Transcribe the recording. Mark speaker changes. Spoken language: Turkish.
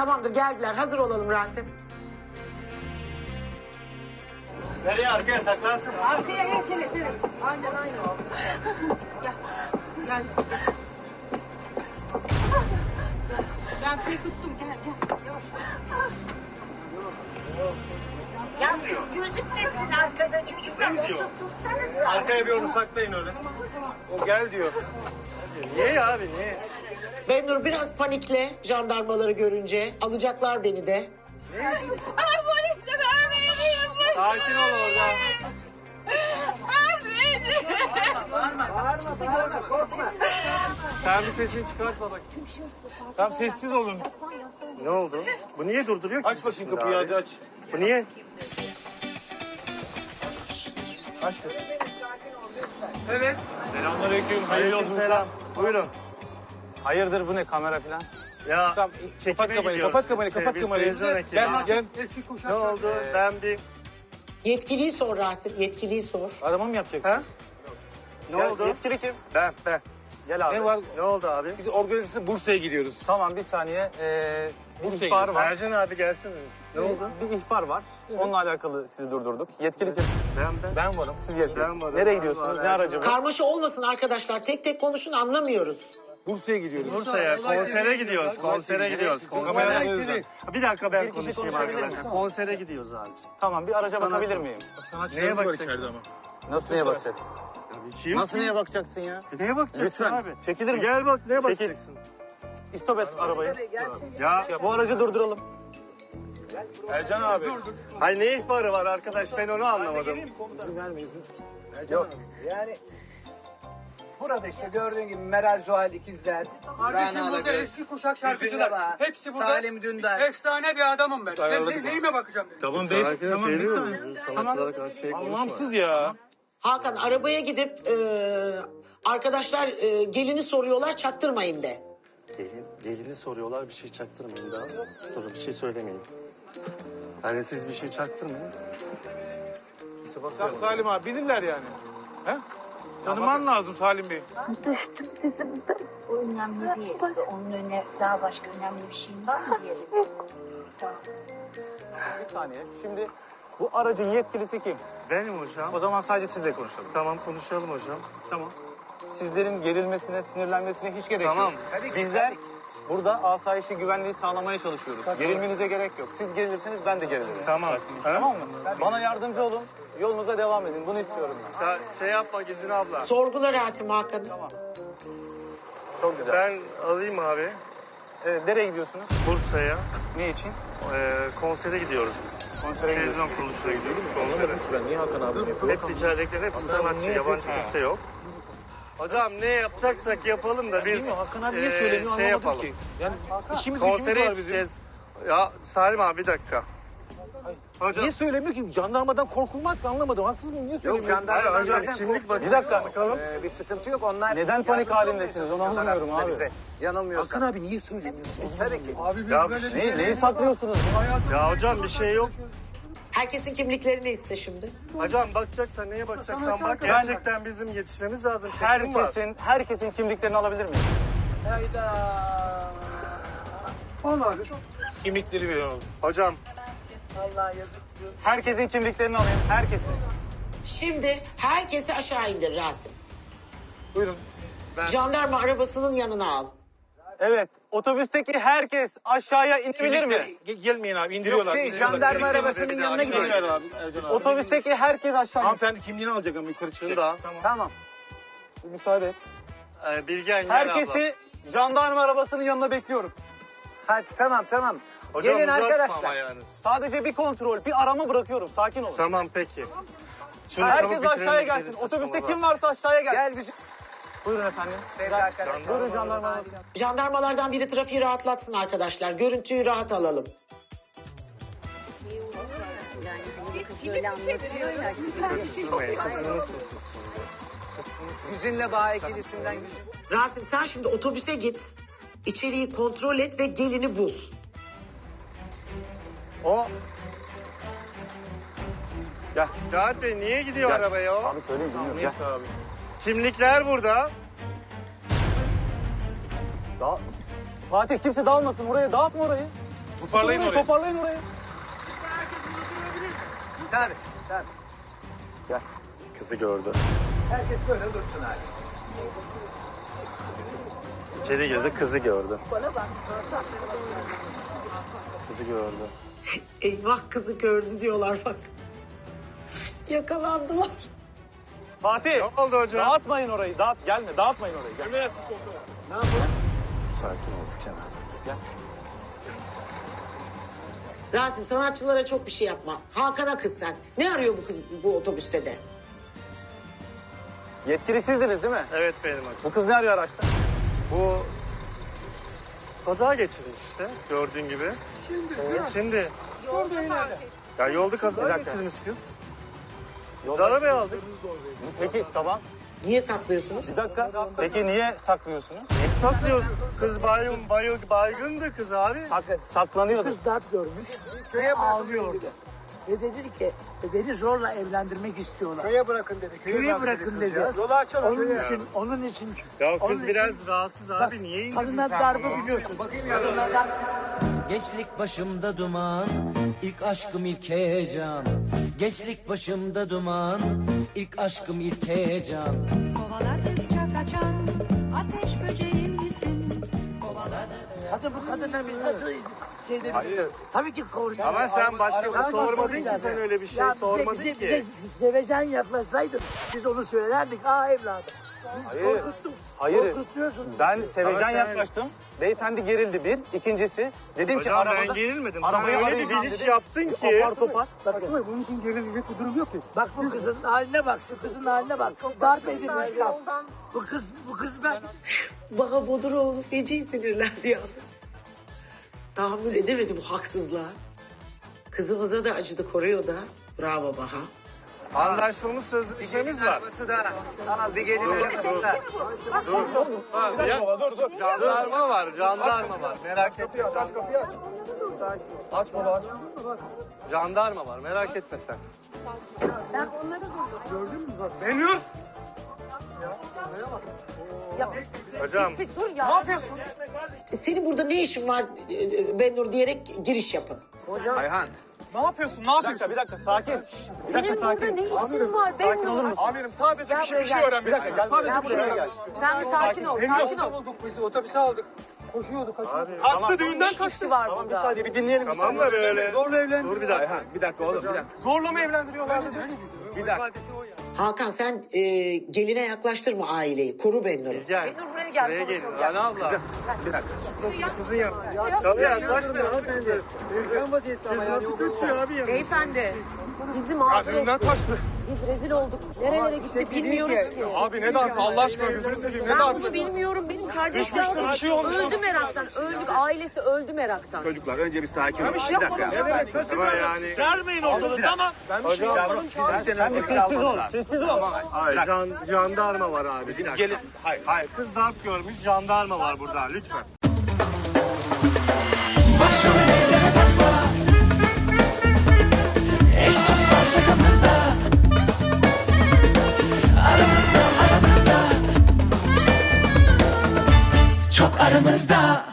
Speaker 1: Tamamdır, geldiler. Hazır olalım Rasim.
Speaker 2: Nereye, arkaya saklarsın?
Speaker 3: Arkaya evet. Aynen. Gel. Gel. Ben seni tuttum. Gel. Yavaş.
Speaker 4: Ya kız gözükmesin arkada çocuklar oturtursanız.
Speaker 2: Arkaya bir onu saklayın öyle.
Speaker 5: O gel diyor.
Speaker 2: Niye abi, niye?
Speaker 1: Benur biraz panikle jandarmaları görünce. Alacaklar beni de.
Speaker 3: Polisle vermeyin.
Speaker 2: Sakin ol orada. Sen bir sesini çıkartma bak.
Speaker 5: Tamam sessiz olun.
Speaker 2: Ne oldu? Bu niye durduruyor ki?
Speaker 5: Aç bakayım kapıyı hadi aç.
Speaker 2: Bu niye?
Speaker 5: Aç.
Speaker 2: Evet.
Speaker 5: Selamünaleyküm. Hayırlı yolculuklar.
Speaker 2: Selam. Buyurun.
Speaker 5: Hayırdır bu ne kamera falan?
Speaker 2: Ya
Speaker 5: Tamam kapat kamerayı, kapat kamerayı, kapat
Speaker 2: Biz
Speaker 5: kamerayı.
Speaker 2: televizyon ekibi.
Speaker 5: Gel.
Speaker 2: Ne oldu? Ben bir...
Speaker 1: Yetkiliyi sor Rasim, yetkiliyi sor.
Speaker 5: Arama mı yapacaksın?
Speaker 2: Ha? Ne
Speaker 5: Gel,
Speaker 2: oldu?
Speaker 5: yetkili kim?
Speaker 2: Ben.
Speaker 5: Gel abi.
Speaker 2: Ne var? Ne oldu abi?
Speaker 5: Biz organizasyonu Bursa'ya gidiyoruz. Tamam bir saniye. Bir Bursa'ya ihbar gidiyoruz. var.
Speaker 2: Ercan abi gelsene. Ne oldu?
Speaker 5: Bir ihbar var. Onunla alakalı sizi durdurduk. Yetkili kim?
Speaker 2: Ben.
Speaker 5: Ben varım. Siz yetkili.
Speaker 2: Ben varım.
Speaker 5: Nereye gidiyorsunuz? Ne aracı bu?
Speaker 1: Karmaşa olmasın arkadaşlar. Tek tek konuşun, anlamıyoruz.
Speaker 5: Bursa'ya gidiyoruz.
Speaker 2: Bursa'ya konsere gidiyoruz. Konsere gidiyoruz.
Speaker 5: Kameralar önünüzden.
Speaker 2: Bir dakika ben
Speaker 5: Bir kişi
Speaker 2: konuşayım
Speaker 5: konuşabilir
Speaker 2: arkadaşlar.
Speaker 5: mi?
Speaker 2: Konsere gidiyoruz abi.
Speaker 5: Tamam bir araca bakabilir miyim?
Speaker 2: Neye bakacaksın?
Speaker 5: Nasıl neye bakacaksın?
Speaker 2: Bir şey yok
Speaker 5: Nasıl
Speaker 2: ki.
Speaker 5: neye bakacaksın ya?
Speaker 2: Neye bakacaksın
Speaker 5: Lütfen.
Speaker 2: abi?
Speaker 5: Çekilir mi?
Speaker 2: Gel bak neye
Speaker 5: Çekil.
Speaker 2: bakacaksın?
Speaker 5: İstop et arabayı.
Speaker 2: Ya
Speaker 5: Bu aracı durduralım. Ercan abi.
Speaker 2: hay ne ihbarı var arkadaş ben onu anlamadım.
Speaker 5: Yok.
Speaker 6: Yani burada işte gördüğün gibi Meral Zuhal ikizler.
Speaker 7: Kardeşim
Speaker 6: Rana
Speaker 7: burada
Speaker 6: Alagöz,
Speaker 7: eski kuşak
Speaker 6: Hüzün
Speaker 7: şarkıcılar.
Speaker 6: Laba,
Speaker 7: Hepsi burada.
Speaker 6: Salim Dündar.
Speaker 7: Efsane bir adamım ben.
Speaker 5: Ayarladık
Speaker 7: Neyime bakacağım benim?
Speaker 5: Tamam bey. Tamam bir saniye.
Speaker 2: Sanatçılara karşı şey konuşma.
Speaker 5: Anlamsız ya.
Speaker 1: Hakan arabaya gidip arkadaşlar gelini soruyorlar, çaktırmayın de.
Speaker 2: Gelini soruyorlar bir şey çaktırmayın daha. Durun bir şey söylemeyin. Hani siz bir şey çaktırmayın.
Speaker 5: Tamam Salim abi bilirler yani. He? Tanıman lazım Salim Bey.
Speaker 4: Düştüm dizimde. O önemli değil. Onun önüne daha başka önemli bir şeyin var mı diyelim. Tamam.
Speaker 5: Bir saniye. Şimdi bu aracın yetkilisi kim?
Speaker 2: Benim hocam.
Speaker 5: O zaman sadece sizle konuşalım.
Speaker 2: Tamam konuşalım hocam.
Speaker 5: Tamam. Sizlerin gerilmesine, sinirlenmesine hiç gerek
Speaker 2: Tamam.
Speaker 5: yok.
Speaker 6: Tabii ki,
Speaker 5: Bizler
Speaker 6: tabii ki.
Speaker 5: burada asayişi, güvenliği sağlamaya çalışıyoruz. Gerilmenize gerek yok. Siz gerilirseniz ben de gerilirim.
Speaker 2: Tamam.
Speaker 5: Tamam mı? Bana yardımcı olun. Yolunuza devam edin. Bunu istiyorum ben.
Speaker 2: Şey yapma Gizin abla.
Speaker 1: Sorgula Rasim Hakan'ı.
Speaker 5: Çok güzel.
Speaker 2: Ben alayım abi
Speaker 5: Evet, nereye gidiyorsunuz?
Speaker 2: Bursa'ya.
Speaker 5: Ne için?
Speaker 2: Konsere gidiyoruz biz.
Speaker 5: Konsere
Speaker 2: Televizyon kuruluşuna gidiyoruz konsere.
Speaker 5: Ben niye Hakan abi yapıyorum?
Speaker 2: Hepsi içeridekiler, hepsi sanatçı, yabancı kimse yok. Hocam ne yapacaksak yapalım da biz
Speaker 5: Bilmiyorum Hakan abi niye söylemiyor
Speaker 2: şey
Speaker 5: anlamadım
Speaker 2: yapalım.
Speaker 5: ki. Yani işimiz
Speaker 2: Konsere
Speaker 5: var bizim.
Speaker 2: yetişeceğiz. Ya Salim abi bir dakika. Hocam.
Speaker 5: Niye söylemiyor ki? Jandarmadan korkulmaz ki anlamadım. Haksız mıyım? Niye
Speaker 6: Yok
Speaker 5: söylemiyor?
Speaker 6: jandarmadan
Speaker 2: Hayır, hocam,
Speaker 6: zaten
Speaker 2: kimlik
Speaker 6: korkmuyor.
Speaker 5: Bir dakika.
Speaker 2: Bakalım.
Speaker 6: Bir sıkıntı yok. Onlar
Speaker 5: Neden panik
Speaker 6: yardımcı
Speaker 5: halindesiniz?
Speaker 6: olmaya
Speaker 5: Onu
Speaker 6: çalışıyorlar
Speaker 5: anlamıyorum
Speaker 6: aslında
Speaker 5: abi.
Speaker 6: bize. Yanılmıyorsan.
Speaker 5: Hakan abi niye söylemiyorsunuz?
Speaker 6: Tabii ki.
Speaker 7: Abi biz
Speaker 2: Ya
Speaker 7: böyle
Speaker 2: bir
Speaker 7: bir şey
Speaker 5: Neyi saklıyorsunuz?
Speaker 2: Ya hocam bir şey yok.
Speaker 1: Herkesin kimliklerini iste şimdi.
Speaker 2: Hocam bakacaksan neye bakacaksan bak.
Speaker 5: Ben-
Speaker 2: Gerçekten bizim yetişmemiz lazım. Çekim var.
Speaker 5: Herkesin kimliklerini alabilir miyim?
Speaker 7: Hayda. Vallahi
Speaker 5: Kimlikleri veriyorum.
Speaker 2: Hocam
Speaker 7: Allah yazık.
Speaker 5: Herkesin kimliklerini alayım. Herkesin.
Speaker 1: Şimdi herkesi aşağı indir Rasim.
Speaker 5: Buyurun.
Speaker 1: Jandarma arabasının yanına al.
Speaker 5: Evet. Otobüsteki herkes aşağıya inebilir mi? Gelmeyin abi indiriyorlar.
Speaker 6: Yok jandarma arabasının yanına gidelim.
Speaker 5: abi. Otobüsteki herkes aşağı insin. Hanımefendi kimliğini alacak ama yukarı çıkacak.
Speaker 2: şurada.
Speaker 6: Tamam.
Speaker 5: Müsaade et.
Speaker 2: Bilgen gel
Speaker 5: Herkesi jandarma arabasının yanına bekliyorum.
Speaker 6: Hadi tamam.
Speaker 2: abla. Hocam
Speaker 6: Gelin
Speaker 2: uzatma
Speaker 6: arkadaşlar.
Speaker 2: ama yani.
Speaker 5: Sadece bir kontrol, bir arama bırakıyorum. Sakin olun.
Speaker 2: Tamam peki. Şunu
Speaker 5: Herkes
Speaker 2: çabuk bitirelim,
Speaker 5: aşağıya
Speaker 2: gidelim,
Speaker 5: gelsin. Otobüste
Speaker 2: saçmalama.
Speaker 5: kim varsa aşağıya gelsin.
Speaker 6: Gel güzel.
Speaker 5: Buyurun efendim.
Speaker 6: Sevda Karan.
Speaker 5: Buyurun jandarma arabası.
Speaker 1: Jandarmalardan biri trafiği rahatlatsın arkadaşlar. Görüntüyü rahat alalım.
Speaker 4: Yani hani kız böyle anlatıyor ya.
Speaker 2: Karıştırmayın, kızını unutun siz.
Speaker 6: Güzinle Baha ikilisinden Güzin.
Speaker 1: Rasim sen şimdi otobüse git. İçeriği kontrol et ve gelini bul.
Speaker 5: O. Gel.
Speaker 2: Cahat Bey niye gidiyor
Speaker 5: Gel.
Speaker 2: arabaya o?
Speaker 5: Abi söyleyin bilmiyorum. Gel. Abi.
Speaker 2: Kimlikler burada.
Speaker 5: Fatih kimse dağılmasın oraya. Dağıtma orayı. Toparlayın orayı. Toparlayın orayı.
Speaker 6: Tabii. Tabii.
Speaker 2: Kızı gördü.
Speaker 6: Herkes böyle dursun abi.
Speaker 2: İçeri girdi, kızı gördü.
Speaker 4: Bana bak.
Speaker 2: Kızı gördü.
Speaker 1: Eyvah kızı gördü diyorlar bak. Yakalandılar.
Speaker 5: Fatih. Ne oldu hocam? Dağıtmayın orayı. Gelme. Dağıtmayın orayı. Gel.
Speaker 2: Sakin ol Kenan.
Speaker 1: Rasim sanatçılara çok bir şey yapma. Hakan'a kız sen. Ne arıyor bu kız bu otobüste de?
Speaker 5: Yetkili sizdiniz değil mi?
Speaker 2: Evet benim hocam.
Speaker 5: Bu kız ne arıyor araçta?
Speaker 2: Bu kaza geçirmiş işte gördüğün gibi. Şimdi. Ya yolda kaza geçirmiş kız. Arabaya aldık.
Speaker 5: Peki tamam.
Speaker 1: Niye saklıyorsunuz?
Speaker 5: Bir dakika. Peki niye saklıyorsunuz?
Speaker 2: Saklıyoruz. Kız baygındı kız abi.
Speaker 5: Saklanıyordu.
Speaker 8: Kız dert görmüş. Köye ağlıyordu. Ve dedi ki beni zorla evlendirmek istiyorlar.
Speaker 6: Köye bırakın dedi.
Speaker 8: Köye bırakın dedi.
Speaker 6: Yolu açalım.
Speaker 8: Onun için.
Speaker 2: Ya
Speaker 8: onun
Speaker 2: kız
Speaker 8: için-
Speaker 2: biraz rahatsız abi. Niye indirdin
Speaker 8: Kadınlar
Speaker 2: sen
Speaker 8: darbe
Speaker 2: bunu?
Speaker 8: biliyorsun.
Speaker 9: Gençlik başımda duman, ilk aşkım ilk heyecan. Gençlik başımda duman, ilk aşkım ilk heyecan.
Speaker 3: Kovaladıkça kaçan ateş böceğim misin?
Speaker 8: Kadın bu kadınla biz nasıl şeyde tabii ki koruyacağız.
Speaker 2: Ama sen başka bir
Speaker 8: Tabii
Speaker 2: sormadın ki
Speaker 8: koruyacağız.
Speaker 2: sen öyle bir şey
Speaker 8: Ya
Speaker 2: sormadın
Speaker 8: bize,
Speaker 2: ki.
Speaker 8: Bize sevecen yaklaşsaydın biz onu söylerdik. Evladım. Biz korkuttuk.
Speaker 5: Hayır.
Speaker 8: Korkutuyorsun.
Speaker 5: Ben sevecen
Speaker 2: Ama sen-
Speaker 5: yaklaştım. Beyefendi gerildi bir. İkincisi dedim ki
Speaker 2: Hocam
Speaker 5: arabada...
Speaker 2: ben gerilmedim.
Speaker 5: Arabayı
Speaker 2: Sen öyle bir
Speaker 5: arayacağım
Speaker 2: giriş
Speaker 5: dedim.
Speaker 2: yaptın ki.
Speaker 5: Apar topar.
Speaker 8: Bakın bunun için gerilecek bir durum yok ki. Bak bu kızın haline bak, şu kızın haline bak. Çok darp edilmiş kız. Bu kız ben.
Speaker 1: Baha Boduroğlu feci sinirlendi yalnız. Tahammül edemedi bu haksızlığa. Kızımıza da acıdı koruyor da. Bravo Baha.
Speaker 2: Anlaşmamız sözleşmemiz var.
Speaker 6: Tamam bir gelin yapsınlar.
Speaker 2: Jandarma var, jandarma var. Merak etme.
Speaker 5: Aç kapıyı aç. Aç baba aç.
Speaker 2: Jandarma var, merak etme sen.
Speaker 7: Benur.
Speaker 2: Hocam,
Speaker 1: Senin burada ne işin var Benur diyerek giriş yapın.
Speaker 5: Ayhan.
Speaker 7: Ne yapıyorsun? Ne yapıyorsun?
Speaker 5: Bir dakika sakin. Bir dakika sakin.
Speaker 3: Ne işin var
Speaker 5: Sakin olur musun?
Speaker 7: Amirim sadece bir şey öğrenmek
Speaker 5: Bir dakika gel.
Speaker 7: istiyorum. Sadece bir şey
Speaker 5: Buraya gel.
Speaker 3: Sen bir sakin ol, sakin ol.
Speaker 7: Bulduk bizi otobüse aldık. Koşuyorduk.
Speaker 5: Kaçtı
Speaker 7: düğünden kaçtı.
Speaker 5: Tamam bir saniye bir dinleyelim.
Speaker 2: tamam da böyle.
Speaker 7: Zorla evlendi.
Speaker 2: Dur bir dakika.
Speaker 5: Ayhan bir dakika oğlum bir dakika.
Speaker 7: Zorla mı evlendiriyorlar?
Speaker 5: Bir dakika.
Speaker 1: Hakan sen geline yaklaştırma aileyi. Koru Benur'u.
Speaker 2: Gel.
Speaker 3: Benur buraya gel,
Speaker 2: Şuraya
Speaker 3: konuşalım,
Speaker 2: gelin.
Speaker 3: gel.
Speaker 2: Ana abla.
Speaker 5: Bir dakika.
Speaker 2: Kızın ya. Tabii yaklaşma hanımefendi. Kız nasıl kaçıyor abi ya?
Speaker 3: Beyefendi, bizi mağdur
Speaker 7: Düğünden
Speaker 3: etti.
Speaker 7: kaçtı.
Speaker 3: Biz rezil olduk. Nerelere gitti bilmiyoruz ki.
Speaker 7: Abi ne darp Allah aşkına gözünü seveyim ne
Speaker 3: Ben
Speaker 7: darp.
Speaker 3: bunu bilmiyorum. Benim kardeşim
Speaker 7: Düşmüştür, bir şey olmuş.
Speaker 3: öldü meraktan. Öldük. Ailesi öldü meraktan.
Speaker 5: Çocuklar önce bir sakin olun.
Speaker 7: Bir şey yapmadım.
Speaker 2: Ama yani.
Speaker 5: Vermeyin ortalığı tamam. Ben bir şey yapmadım. Sen bir sessiz ol. Sessiz ol.
Speaker 2: Hayır, jandarma var abi. Bir dakika.
Speaker 5: Gelin.
Speaker 2: Hayır, kız darp görmüş, jandarma var burada. Lütfen.
Speaker 9: Başım ellere takma, eş dost var şakamızda. Aramızda, çok aramızda.